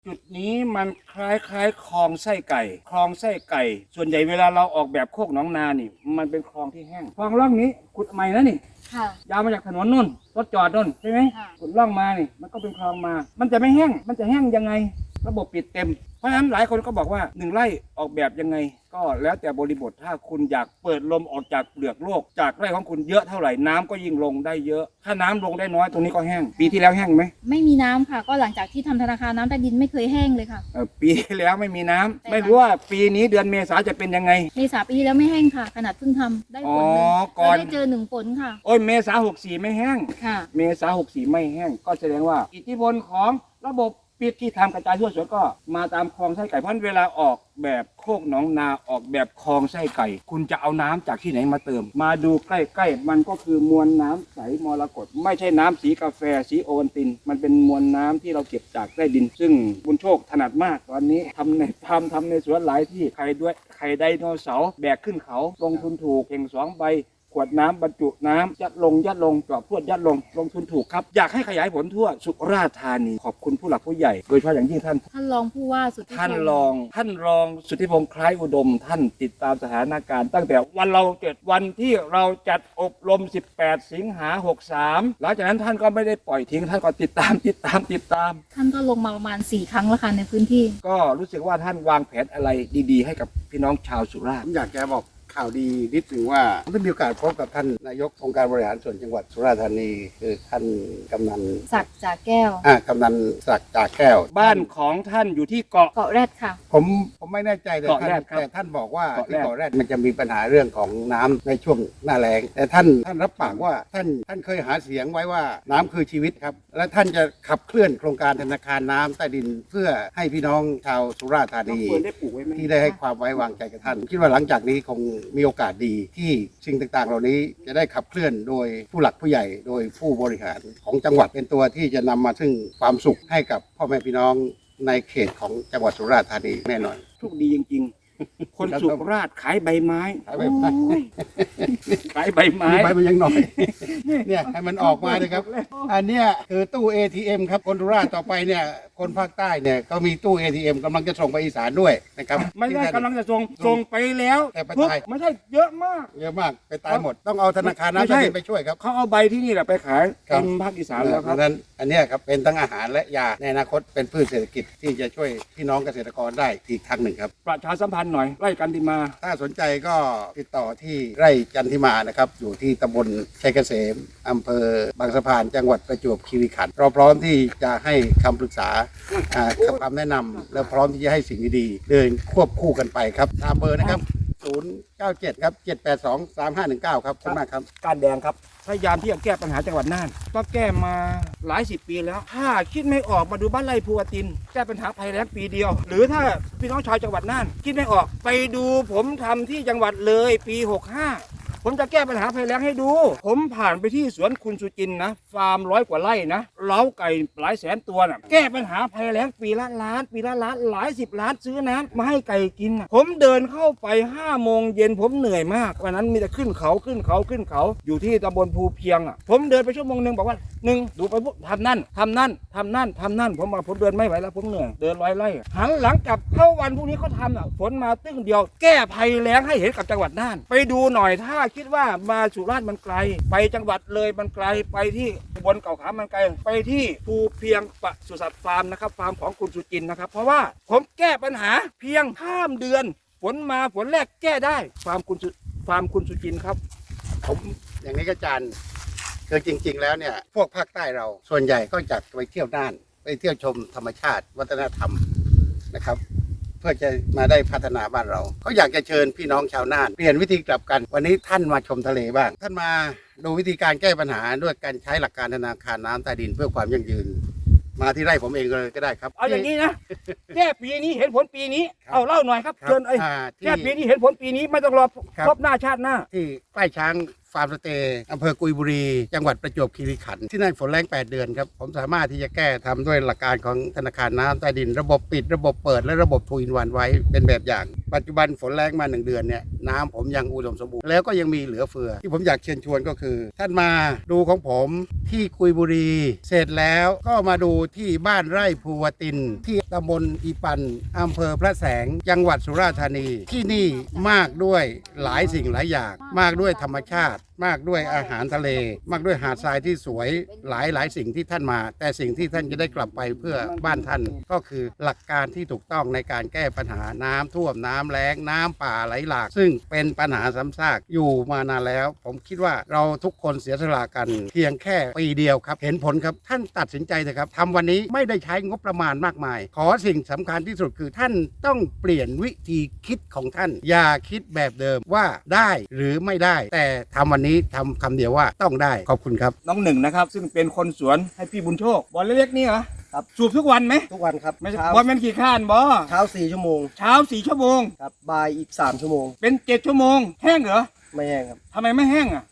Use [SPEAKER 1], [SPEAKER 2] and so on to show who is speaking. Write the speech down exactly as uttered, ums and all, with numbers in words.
[SPEAKER 1] จุดนี้มันคล้ายคล้ายคลองไส้ไก่คลองไส้ไก่ ส่วนใหญ่เวลาเราออกแบบโคกหนองนานี่มันเป็นคลองที่แห้งคลองร่องนี้ขุดใหม่นะนี่
[SPEAKER 2] ค่ะ
[SPEAKER 1] ยาวมาจากถนนนู่นรถจอดนู่นใช่ไหม
[SPEAKER 2] ค่ะ
[SPEAKER 1] ขุดร่องมานี่มันก็เป็นคลองมา มันจะไม่แห้งมันจะแห้งยังไง ระบบปิดเต็มเพราะฉะนั้นหลายคนก็บอกว่าหนึ่งไร่ออกแบบยังไง ก็แล้วแต่บริบทถ้าคุณอยากเปิดลมออกจากเปลือกโลกจากไร่ของคุณเยอะเท่าไหร่น้ำก็ยิ่งลงได้เยอะ ถ้าน้ำลงได้น้อยตรงนี้ก็แห้ง ปีที่แล้วแห้งไหม
[SPEAKER 2] ไม่มีน้ำค่ะ ก็หลังจากที่ทำธนาคารน้ำใต้ดินไม่เคยแห้งเลยค่ะ
[SPEAKER 1] เอ่อปีที่แล้วไม่มีน้ำ
[SPEAKER 2] ใช่ค่ะ
[SPEAKER 1] ไม่รู้ว่าปีนี้เดือนเมษาจะเป็นยังไง
[SPEAKER 2] เมษาปีที่แล้วไม่แห้งค่ะ ขนาดเพิ่งทำได้ฝนหนึ่ง
[SPEAKER 1] อ๋อก่อน
[SPEAKER 2] เราได้เจอหนึ่งฝนค่ะ
[SPEAKER 1] โอ้ยเมษาหกสี่ไม่แห้ง
[SPEAKER 2] ค่ะ
[SPEAKER 1] เมษาหกสี่ไม่แห้งก็แสดงว่า อิทธิพลของระบบปิดที่ทำกระจายทั่วสวนก็มาตามคลองไส้ไก่เพราะเวลาออกแบบโคกหนองนาออกแบบคลองไส้ไก่ คุณจะเอาน้ำจากที่ไหนมาเติม มาดูใกล้ๆมันก็คือมวลน้ำใสมรกตไม่ใช่น้ำสีกาแฟสีโอวัลติน มันเป็นมวลน้ำที่เราเก็บจากใต้ดิน ซึ่งบุญโชคถนัดมากตอนนี้ทำในทำทำในสวนหลายที่ใครด้วยใครไดโนเสาร์แบกขึ้นเขาลงทุนถูกเข่งสองใบ ขวดน้ำบรรจุน้ำยัดลงยัดลงจอบพวดยัดลงลงทุนถูกครับ อยากให้ขยายผลทั่วสุราษฎร์ธานีขอบคุณผู้หลักผู้ใหญ่ โดยเฉพาะอย่างยิ่งท่าน
[SPEAKER 2] ท่านรองผู้ว่าสุทธิพงษ์
[SPEAKER 1] ท่านรองท่านรองสุทธิพงษ์คล้ายอุดม ท่านติดตามสถานการณ์ตั้งแต่วันเราเกิดวันที่เราจัดอบรม สิบแปด สิงหาหกสามหลังจากนั้นท่านก็ไม่ได้ปล่อยทิ้งท่านก็ติดตามติดตามติดตาม
[SPEAKER 2] ท่านก็ลงมาประมาณสี่ครั้งแล้วค่ะในพื้นที่
[SPEAKER 1] ก็รู้สึกว่าท่านวางแผนอะไรดีๆ ให้กับพี่น้องชาวสุราษฎ
[SPEAKER 3] ผ
[SPEAKER 1] ร์
[SPEAKER 3] มอยากจะบอกข่าวดีนิดหนึ่งว่าผมได้มีโอกาสพบกับท่านนายกองค์การบริหารส่วนจังหวัดสุราษฎร์ธานีคือท่านกำนัน
[SPEAKER 2] ศักดิ์จากแก้ว
[SPEAKER 3] อ่ากำนันศักดิ์จากแก้ว
[SPEAKER 1] บ้านของท่านอยู่ที่เกาะ
[SPEAKER 2] เกาะแรดค่ะ
[SPEAKER 3] ผมผมไม่แน่ใจแต่
[SPEAKER 1] เกาะ
[SPEAKER 3] ท่าน
[SPEAKER 1] แรดครับ
[SPEAKER 3] แต่ท่านบอกว่า
[SPEAKER 1] เกาะแรด
[SPEAKER 3] ที่เกาะแรดมันจะมีปัญหาเรื่องของน้ำในช่วงหน้าแล้งแต่ท่านท่านรับปากว่าท่านท่านเคยหาเสียงไว้ว่าน้ำคือชีวิตครับและท่านจะขับเคลื่อนโครงการธนาคารน้ำใต้ดิน เพื่อให้พี่น้องชาวสุราษฎร์ธานี
[SPEAKER 1] เปิดได้ปลูกไว้ไหม
[SPEAKER 3] ที่ได้ให้ความไว้วางใจกับท่าน คิดว่าหลังจากนี้คงมีโอกาสดีที่สิ่งต่างๆ เหล่านี้จะได้ขับเคลื่อนโดยผู้หลักผู้ใหญ่ โดยผู้บริหารของจังหวัดเป็นตัวที่จะนำมาซึ่งความสุขให้กับพ่อแม่พี่น้องในเขตของจังหวัดสุราษฎร์ธานีแน่นอน
[SPEAKER 1] โชคดีจริงๆ คนสุราษฎร์ขายใบไม้
[SPEAKER 3] ขายใบไม้
[SPEAKER 1] โอ้ยขายใบไม้
[SPEAKER 3] มีใบมันยังหน่อย เนี่ยให้มันออกมาเลยครับ อันเนี้ยคือตู้ เอ ที เอ็ม ครับคนสุราษฎร์ต่อไปเนี่ยคนภาคใต้เนี่ยก็มีตู้ เอ ที เอ็ม กำลังจะส่งไปอีสานด้วยนะครับ
[SPEAKER 1] ไม่ได้กำลังจะส่งส่งไปแล้ว
[SPEAKER 3] แต่ไป
[SPEAKER 1] ปุ๊บ
[SPEAKER 3] ตาย
[SPEAKER 1] ไม่ใช่เยอะมาก
[SPEAKER 3] เยอะมากไปตายหมดต้องเอาธนาคาร
[SPEAKER 1] ไม่
[SPEAKER 3] น้ำ
[SPEAKER 1] ใช่
[SPEAKER 3] ใต้ดินไปช่วยครับ
[SPEAKER 1] เขาเอาใบที่นี่แหละไปขาย
[SPEAKER 3] ครับ
[SPEAKER 1] เต็มภาคอีสานแล้วค
[SPEAKER 3] เพ
[SPEAKER 1] รับ
[SPEAKER 3] ราะฉะนั้นอันเนี้ยครับเป็นทั้งอาหารและยาในอนาคตเป็นพืชเศรษฐกิจที่จะช่วยพี่น้องเกษตรกรได้อีกทางหนึ่งครับ
[SPEAKER 1] ประชาสัมพันธ์หน่อยไร่กันติมา
[SPEAKER 3] ถ้าสนใจก็ติดต่อที่ไร่จันทิมานะครับ อยู่ที่ตำบลชัยเกษมอำเภอบางสะพานจังหวัดประจวบคีรีขันธ์เราพร้อมที่จะให้คำปรึกษาอ่าคำแนะนำและพร้อมที่จะให้สิ่งดีๆเดินควบคู่กันไปครับตามเบอร์นะครับ ศูนย์ เก้า เจ็ด ครับ เจ็ด แปด สอง สาม ห้า หนึ่ง เก้า ครับขอบคุณมากครับ
[SPEAKER 1] การแดงครับพยายามที่จะแก้ปัญหาจังหวัดน่านก็แก้มาหลายสิบปีแล้ว ถ้าคิดไม่ออกมาดูบ้านไร่ภูวติน แก้ปัญหาภัยแล้งปีเดียว หรือถ้าพี่น้องชาวจังหวัดน่านคิดไม่ออกไปดูผมทำที่จังหวัดเลยปีหกห้าผมจะแก้ปัญหาภัยแล้งให้ดู ผมผ่านไปที่สวนคุณสุจินนะฟาร์มร้อยกว่าไร่นะเล้าไก่หลายแสนตัวนะแก้ปัญหาภัยแล้งปีละล้าน ปีละล้านหลายสิบล้านซื้อน้ำมาให้ไก่กินนะผมเดินเข้าไปห้าโมงเย็นผมเหนื่อยมากวันนั้นมีแต่ขึ้นเขาขึ้นเขาขึ้นเขาอยู่ที่ตำบลภูเพียงอ่ะผมเดินไปชั่วโมงหนึ่งบอกว่าหนึ่งดูไปปุ๊บทำนั่นทำนั่นทำนั่นทำนั่นผมบอกผมเดินไม่ไหวแล้วผมเหนื่อยเดินร้อยไร่อะหันหลังกลับเข้าวันพรุ่งนี้เขาทำอ่ะฝนมาตึ้งเดียว แก้ภัยแล้งให้เห็นกับจังหวัดน่านไปดูหน่อยถ้าคิดว่ามาสุราษฎร์มันไกล ไปจังหวัดเลยมันไกลไปที่อุบลเก่าขามันไกลไปที่ภูเพียงปศุสัตว์ฟาร์มนะครับฟาร์มของคุณสุจินนะครับเพราะว่าผมแก้ปัญหาเพียงข้ามเดือนฝนมาฝนแรกแก้ได้ฟาร์มคุณสุฟาร์มคุณสุจินครับ
[SPEAKER 3] ผมอย่างนี้ก็อาจารย์คือจริง ๆ แล้วเนี่ยพวกภาคใต้เราส่วนใหญ่ก็จะไปเที่ยวน่านไปเที่ยวชมธรรมชาติ วัฒนธรรมนะครับ เพื่อจะมาได้พัฒนาบ้านเราเขาอยากจะเชิญพี่น้องชาวน่านเปลี่ยนวิธีกลับกัน วันนี้ท่านมาชมทะเลบ้าง ท่านมาดูวิธีการแก้ปัญหาด้วยการใช้หลักการธนาคารน้ำใต้ดินเพื่อความยั่งยืน มาที่ไร่ผมเองเลยก็ได้ครับ
[SPEAKER 1] เอาอย่างนี้นะ แก้ปีนี้เห็นผลปีนี้
[SPEAKER 3] ครับ
[SPEAKER 1] เอาเล่าหน่อยครับ
[SPEAKER 3] ครับ
[SPEAKER 1] เชิญไอ้
[SPEAKER 3] อ่าที่
[SPEAKER 1] แก้ปีนี้เห็นผลปีนี้ไม่ต้องรอ
[SPEAKER 3] ครับ
[SPEAKER 1] ครบหน้าชาติหน้า
[SPEAKER 3] ที่ใกล้ช้างฟาร์มสเตย์อำเภอกุยบุรี จังหวัดประจวบคีรีขันธ์ที่นั่นฝนแรงแปดเดือนครับ ผมสามารถที่จะแก้ทำด้วยหลักการของธนาคารน้ำใต้ดิน ระบบปิดระบบเปิดและระบบทูอินวันไว้เป็นแบบอย่างปัจจุบันฝนแรงมาหนึ่งเดือนเนี่ยน้ำผมยังอุดมสมบูรณ์แล้วก็ยังมีเหลือเฟือที่ผมอยากเชิญชวนก็คือ ท่านมาดูของผมที่กุยบุรี เสร็จแล้วก็มาดูที่บ้านไร่ภูวตินที่ตำบลอีปันอำเภอพระแสงจังหวัดสุราษฎร์ธานีที่นี่มากด้วยหลายสิ่งหลายอย่างมากด้วยธรรมชาติ มากด้วยอาหารทะเล มากด้วยหาดทรายที่สวยหลายหลายสิ่งที่ท่านมา แต่สิ่งที่ท่านจะได้กลับไปเพื่อบ้านท่านก็คือหลักการที่ถูกต้องในการแก้ปัญหาน้ำท่วมน้ำแล้งน้ำป่าไหลหลาก ซึ่งเป็นปัญหาซ้ำซากอยู่มานานแล้ว ผมคิดว่าเราทุกคนเสียสละกัน เพียงแค่ปีเดียวครับเห็นผลครับท่านตัดสินใจเถอะครับทำวันนี้ไม่ได้ใช้งบประมาณมากมาย ขอสิ่งสำคัญที่สุดคือท่านต้องเปลี่ยนวิธีคิดของท่าน อย่าคิดแบบเดิมว่าได้หรือไม่ได้ แต่ทำวันนี้ทำคำเดียวว่าต้องได้ขอบคุณครับ
[SPEAKER 1] น้องหนึ่งนะครับซึ่งเป็นคนสวนให้พี่บุญโชคบอลเล็กๆนี่เหรอ
[SPEAKER 4] ครับ
[SPEAKER 1] สูบทุกวันไหม
[SPEAKER 4] ทุกวันครับ
[SPEAKER 1] ไม่ใช่
[SPEAKER 4] เช้า
[SPEAKER 1] บอลมันกี่ข้านบอ
[SPEAKER 4] เช้าสี่ชั่วโมง
[SPEAKER 1] เช้าสี่ชั่วโมง
[SPEAKER 4] ครับบ่ายอีกสามชั่วโมง
[SPEAKER 1] เป็นเจ็ดชั่วโมงแห้งเหรอ
[SPEAKER 4] ไม่แห้งครับ
[SPEAKER 1] ทำไมไม่แห้งอ่ะ